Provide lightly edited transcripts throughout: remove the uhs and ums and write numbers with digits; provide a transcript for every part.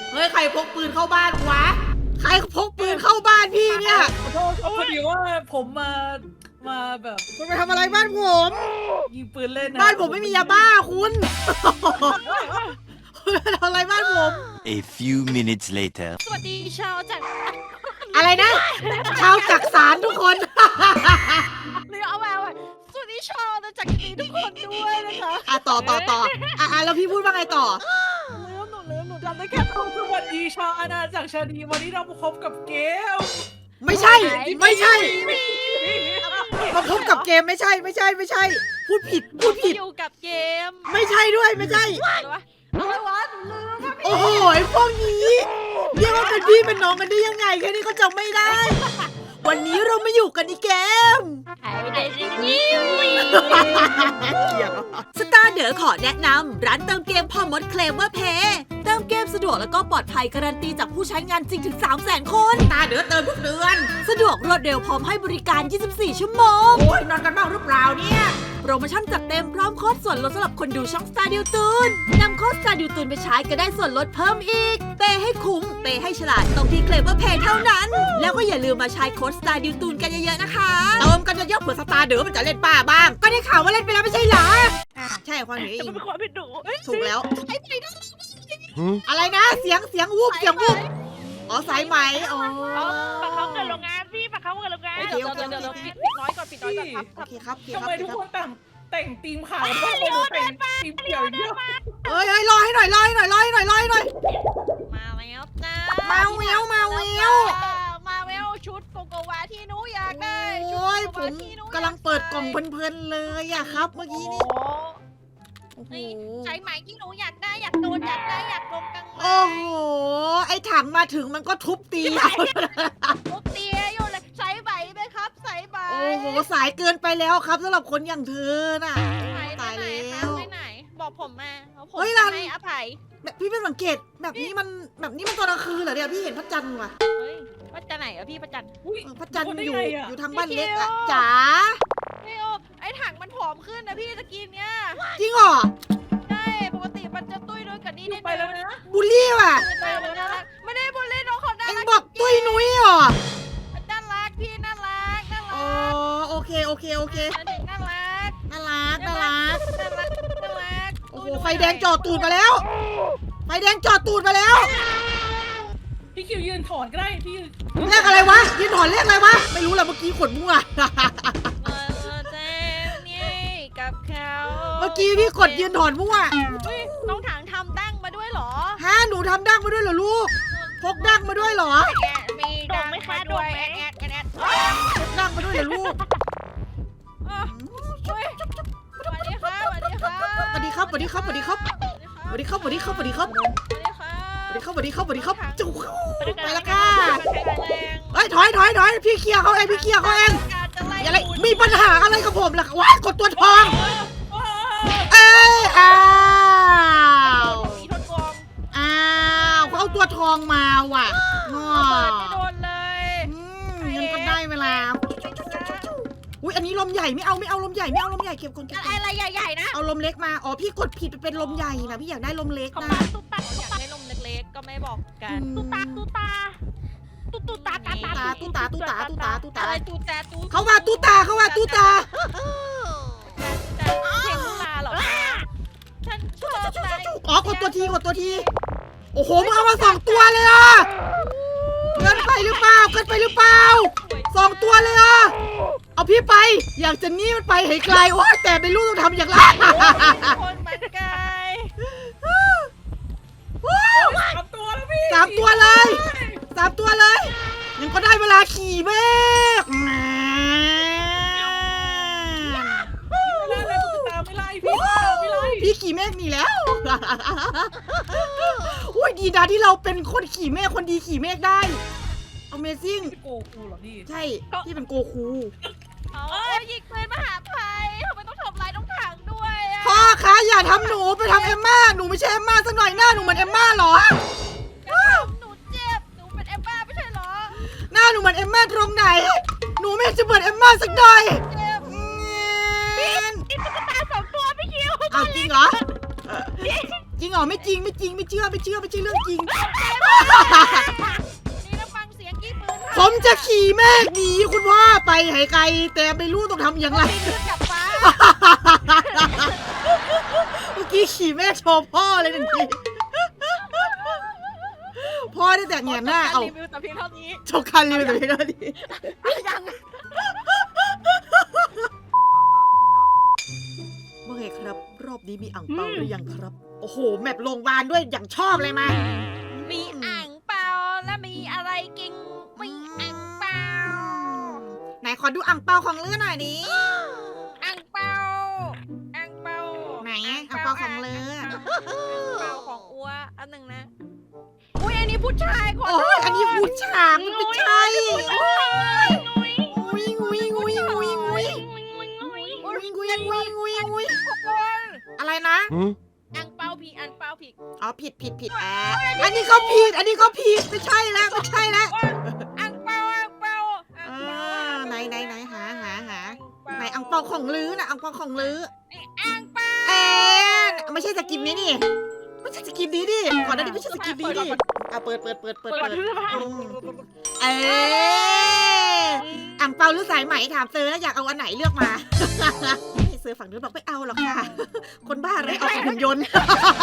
เฮ้ยใครพกปืนเข้าบ้านวะใครพกปืนเข้าบ้านพี่เนี่ยขอโทษครับพอดีว่าผมมาแบบคุณไปทำอะไรบ้านผมยิงปืนเล่นนะบ้านผมไม่มียาบ้าคุณคุณไปทำอะไรบ้านผม A few minutes later. สวัสดีชาวจากอะไรนะชาวจักสารทุกคนหรือเอาไว้สวัสดีชาวจากนี้ทุกคนด้วยนะคะต่อแล้วพี่พูดว่าไงต่อหนูจำได้แค่สวัสดีชาวอาณาจักรชาดีวันนี้เรามาพบกับเกมไม่ใช่มาพบกับเกมไม่ใช่พูดผิดอยู่กับเกมไม่ใช่ด้วยไม่ใช่อะไรวะหนูลืมโอ้โหไอ้พวกนี้เรียกว่าเป็นพี่เป็นน้องกันได้ยังไงแค่นี้ก็จำไม่ได้ วันนี้เรามาอยู่กันในเกมหายไปไหนจริงนี่สตาร์เดอขอแนะนำร้านเติมเกมพ่อมดเคลมว่าเพย์เติมเกมสะดวกแล้วก็ปลอดภัยการันตีจากผู้ใช้งานจริงถึง 300,000 คนสตาร์เดอเติมทุกเดือนสะดวกรวดเร็วพร้อมให้บริการ 24 ชั่วโมงโอ้ยนอนกันบ้างหรือเปล่าเนี่ยโปรโมชั่นจัดเต็มพร้อมโค้ดส่วนลดสำหรับคนดูช่องสตาร์ดิวตูนนำโค้ดสตาร์ดิวตูนไปใช้ก็ได้ส่วนลดเพิ่มอีกเปย์ให้คุ้มเปย์ให้ฉลาดตรงที่เคลมว่าเพย์เท่านั้นแล้วก็อย่าลืมมาใช้โค้ดสตาร์ดิวตูนกันเยอะๆนะคะเติมกันเยอะๆเผื่อสตาร์เดอมันจะเล่นป้าบ้างก็ได้ข่าวว่าเล่นไปแล้วไม่ใช่เหรอใช่ความนี้แต่มันเป็นความผิดหนูถูกแล้วไอ้ไหนนะอะไรนะเสียงวูบอ๋อสายไหมอ๋อปากเขาเกิดโรงงานพี่ปากเขาเกิดโรงงานเดี๋ยวปิดน้อยก่อนครับโอเคครับทำไมทุกคนแต่งธีมขาวบ้างคนแต่งธีมเขียวเยอะเอ้ยรอให้หน่อยมาแล้วจ้ามาเวลมาเวลชุดโกโกวาที่หนูอยากได้โอ้ยผมกำลังเปิดกล่องเพลินๆเลยอะครับเมื่อกี้นี่โอ้โหใช้ไหมที่หนูอยากได้อยากโดนอยากได้อยากลงกังโอ้โหไอ้ถังมาถึงมันก็ทุบตีเอาทุบเตียอยู่เลยใช้ไหมไหมครับใช้ไหมโอ้โหสายเกินไปแล้วครับสำหรับคนอย่างเธอน่ะตายแล้วไปไหนบอกผมมาผมให้อภัยแบบพี่ไม่สังเกตแบบนี้มันตอนกลางคืนเหรอเนี่ยพี่เห็นพระจันทร์ว่ะเฮ้ยพระจันทร์ไหนอะพี่พระจันทร์พระจันทร์อยู่ทางบ้านเล็กอะจ๋าไอ้ถังมันผอมขึ้นนะพี่ตะกี้เนี้ยจริงเหรอใช่ปกติมันจะตุ้ยด้วยกันนี่ไปแล้วนะบูลลี่ว่ะไม่ได้บนเล่นน้องเขาน่าเอ็งรักบอกตุ้ยนุ้ยเหรอน่ารักพี่น่ารักอ๋อโอเคเด็กน่ารักน่ารัก โอ้โหตุ้ยไฟแดงจอดตูดมาแล้ว ไฟแดงจอดตูดมาแล้วพี่คิวยืนถอนก็ได้พี่เลขอะไรวะยืนถอนเลขอะไรวะ ไม่รู้แหละเมื่อกี้ขนมั่วเจ๊นี่กับเขาเมื่อกี้พี่กดยืนถอนมั่วน้องถังทำดั้งมาด้วยเหรอฮะหนูทำดั้งมาด้วยเหรอลูก พกดั้งมาด้วยเหรอมีดั้งมาด้วยแอดพกดั้งมาด้วยเหรอลูกสวัสดีครับสวัสดีครับจุ๊บไปแล้วค่ะเฮ้ยถอยพี่เคลียร์เขาเองอะไรมีปัญหาอะไรกับผมล่ะว้ายกดตัวทอง เอ้ยอ้าวเขาเอาตัวทองมาว่ะง้อโดนเลยงั้นก็ได้เวลาอุ้ยอันนี้ลมใหญ่ไม่เอาลมใหญ่เก็บก่อนอะไรใหญ่ๆนะเอาลมเล็กมาอ๋อพี่กดผิดไปเป็นลมใหญ่นะพี่อยากได้ลมเล็กเขานะมาตุ๊ตักอยากได้ลมเล็กๆก็ไม่บอกกันตุ๊ตาอะไรตูแจตูเขาว่าตู้ตาเพลงลูลาเหรอฉันชอบใจอ๋อกดตัวทีโอ้โหมึงเอามา2 ตัวเลยอ่ะเกินไปหรือเปล่า2 ตัวเลยอ่ะเอาพี่ไปอยากจะนี่มันไปให้ไกลโอ้แต่ไม่รู้ต้องทำอย่างไรคนมันไกล 3 ตัวแล้วพี่ 3 ตัวเลยยังก็ได้เวลาขี่เมฆไม่ไล่พี่ไม่ไล่พี่ขี่เมฆหนีแล้ว อุ้ยดีนะที่เราเป็นคนขี่เมฆคนดีขี่เมฆได้ Amazing โกกูเหรอพี่ใช่พี่เป็นโกคูยิงปืนมาหาภัยทำไมต้องทำร้ายน้องถังด้วยพ่อคะอย่าทำหนูไปทำเอมม่าหนูไม่ใช่เอมม่าสักหน่อยหน้าหนูเหมือนเอมม่าเหรอหนูเจ็บหนูเป็นเอมบ้าไม่ใช่เหรอหน้าหนูเหมือนเอมม่าตรงไหนหนูไม่จะเหมือนเอมม่าสักหน่อยเจ็บเงี้ยนี่ตุ๊กตา2 ตัวพี่คิวอ้าวจริงเหรอจริงเหรอไม่จริงไม่เชื่อไม่ใช่เรื่องจริงนี่นะฟังเสียงกี้ปืนผมจะขี่เมฆหนีคุณพ่อไปให้ไกลแต่ไม่รู้ต้องทำอย่างไรปีนขึ้นกับฟ้าเมื่อกี้ขี่เมฆโชว์พ่อเลยหนึ่งทีพ่อได้แต่แงนหน้าเอารีวิวแต่เพียงเท่านี้โชว์คันเลยแต่เพียงเท่านี้ยังว่าไงครับ รอบนี้มีอ่างเปาหรือยังครับ โอ้โหแมปโรงพยาบาลด้วยอย่างชอบเลยมามีอ่างเปาและมีอะไรกินมีอ่างเปาไหนขอดูอ่างเปาของเลือหน่อยดิอ่างเปาอ่างเปาไหนอ่างเปาของเลืออ่างเปาของอัวอันหนึ่งนะอุ้ยอันนี้ผู้ชายขอโอ้โทยษอันนี้ผู้ชายมันไม่ใช่นุ้ยงุยงุยงุยงุยงุยทุกคนอะไรนะอ่างเปาผีอ่างเปาผีอ๋อผิดอันนี้ก็ผิดไม่ใช่แล้วไม่ใช่แล้วอ่างเปาอ่างเปาไหนหาไหนอ่างเปาของลือนะอ่างเปาของลืออ่างเปาไม่ใช่สกินนี้นี่ไม่ใช่สกินนี้ดิก่อนหน้านี้ไม่ใช่สกินนี้ดิเปิดอ่างเปาหรือสายไหมถามเซอร์แล้วอยากเอาอันไหนเลือกมาเซอร์ฝั่งนู้นบอกไม่เอาหรอกค่ะคนบ้าอะไรเอาหุ่นยนต์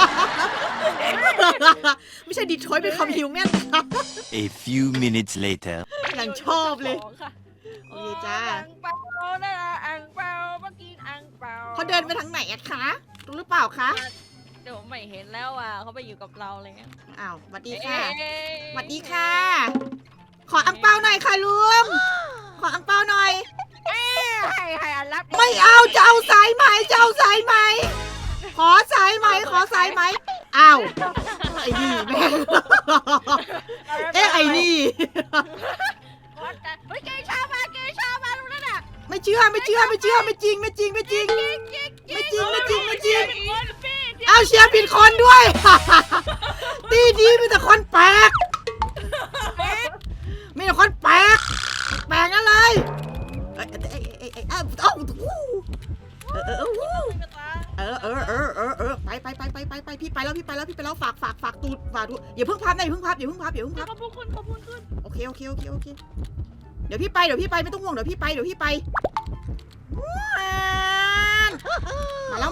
ไม่ใช่ดีทรอยต์เป็นคำฮิวแมน A few minutes later. อย่างชอบเลย โอเคจ้าอ่างเปานะอ่างเปาเมื่อกี้อ่างเปาเขาเดินไปทางไหนอะคะรู้หรือเปล่าคะเดี๋ยวไม่เห็นแล้วอ่ะเขาไปอยู่กับเราเลยอ้าวสวัสดีค่ะเอ๊ะสวัสดีค่ะ ขออังเปาหน่อยค่ะลุงขออังเปาหน่อยให้อันรับไม่เอาจะเอาสายไหมขอสายไหมอ้าวไอ้นี่แม่งไอ้นี่เฮ้ยเกชามาตรงนั้นอ่ะไม่เชื่อไม่จริงเอาเชียร์ผิดคนด้วย ตีดีมีแต่คนแปลกนั่นเลยไปพี่ไปแล้วฝากตูดอย่าเพิ่งพับขอบคุณโอเคเดี๋ยวพี่ไปไม่ต้องห่วงเดี๋ยวพี่ไปมาแล้ว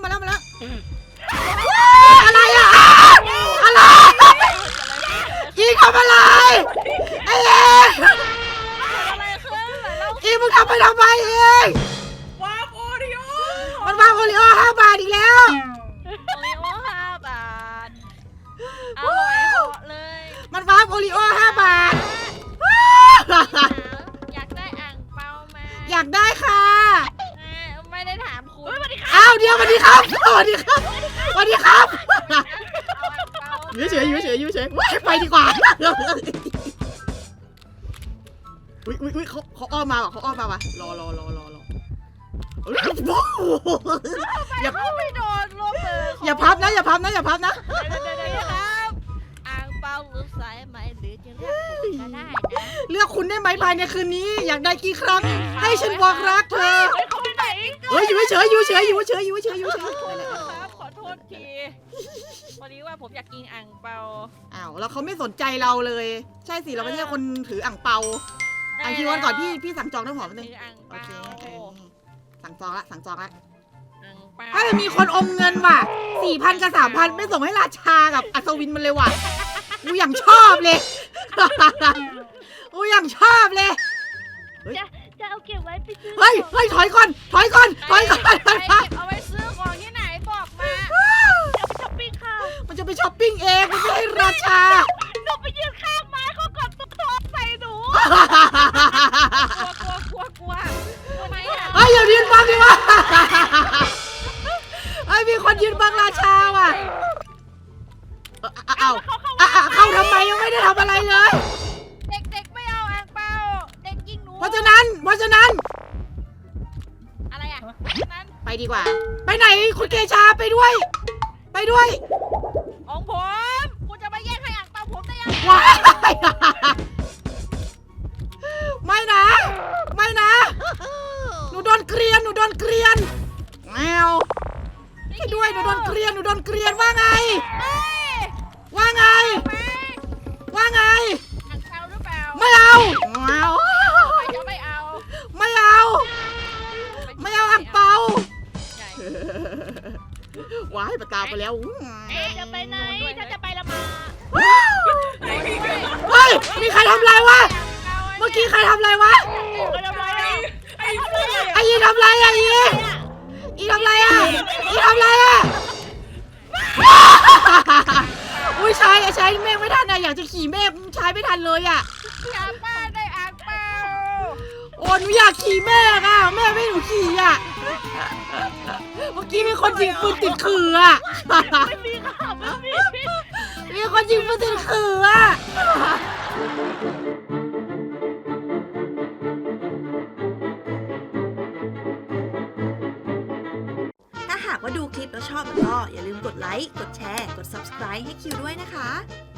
อะไรอะอะไรอีทำอะไรไอ้เองอะไรขึ้นแล้วอีมึงทำไมเองวาโอริโอมันวางโอริโอ5 บาทอีกแล้วโอริโอ5 บาทอร่อยเหาะเลยมันวางโอริโอ5 บาทอยากได้อ่างเปามาอยากได้ค่ะไม่ได้ถามคุณอ้าวเดี๋ยวสวัสดีครับอยู่เฉยว้ายไปดีกว่าอุ้ยเขาอ้อมมาว่ะรออย่าไม่โดนลบเลยอย่าพับนะเดี๋ยวครับอ่างเปาหรือสายไหมหรือจะเรียกผมก็ได้นะเลือกคุณได้ไหมภายในคืนนี้ อยากได้กี่ครั้ง ให้ฉันบอกรักเธอเขาไปไหนอยู่เฉยครับขอโทษทีพอดีว่าผมอยากกินอ่างเปาอ้าวแล้วเขาไม่สนใจเราเลย ใช่สิเราไม่ใช่คนถืออ่างเปาอ่างคิววันก่อนพี่สั่งจองน้ำหอมนึงอ่างโอเปาเคสั่งจองละอ่างเปาถ้าจะมีคนอมเงินว่ะ 4,000 กับ 3,000 ไม่ส่งให้ราชากับอัศวินมันเลยว่ะกูอย่างชอบเลยจะเอาเก็บไว้ไปซื้อเฮ้ยถอยก่อนไปเก็บเอาไว้ซื้อของที่ไหนบอกมาจะไปช้อปปิ้งค่ะมันจะไปช้อปปิ้งเองมันไม่ให้ราชาหนูไปยืนข้างไม้เขากดตุ๊กตาใส่หนูกลัวทำไมอ่ะเฮ้ยอย่ายืนบังดิวะเฮ้ยมีคนยืนบังราชาว่ะเข้าทำไมยังไม่ได้ทำอะไรเลยเด็กไม่เอาอ่างเปาเด็กยิงหนูเพราะฉะนั้นอะไรอ่ะนั้นไปดีกว่า ไปไหนคุณเกชาไปด้วยของผมคุณจะมาแย่งให้อ่างเปาผมได้ยังว้ายไม่นะหนูโดนเกรียนแมวให้ด้วยหนูโดนเกรียนว่าไงไปแล้วจะไปไหนฉันจะไปละมาเฮ้ยมีใครทำอะไรวะเมื่อกี้ใครทำอะไรวะไปทำไรอ่ะไอ้เพื่อนไอ้ยีทำอะไรอ่ะอีทำอะไรอ่ะอีทำอะไรอ่ะอุ้ยใช้เมฆไม่ทันอะอยากจะขี่เมฆใช้ไม่ทันเลยอ่ะอยากบ้านได้อ่างเปล่าโอ้หนูอยากขี่เมฆอ่ะแม่ไม่ให้หนูขี่อ่ะเมื่อกี้มีคนยิงปืนติดขื่ออ่ะไม่มีค่ะไม่มีมีคนยิงปืนติดขื่ออ่ะถ้าหากว่าดูคลิปแล้วชอบก็อย่าลืมกดไลค์ กดแชร์ กด subscribe ให้คิวด้วยนะคะ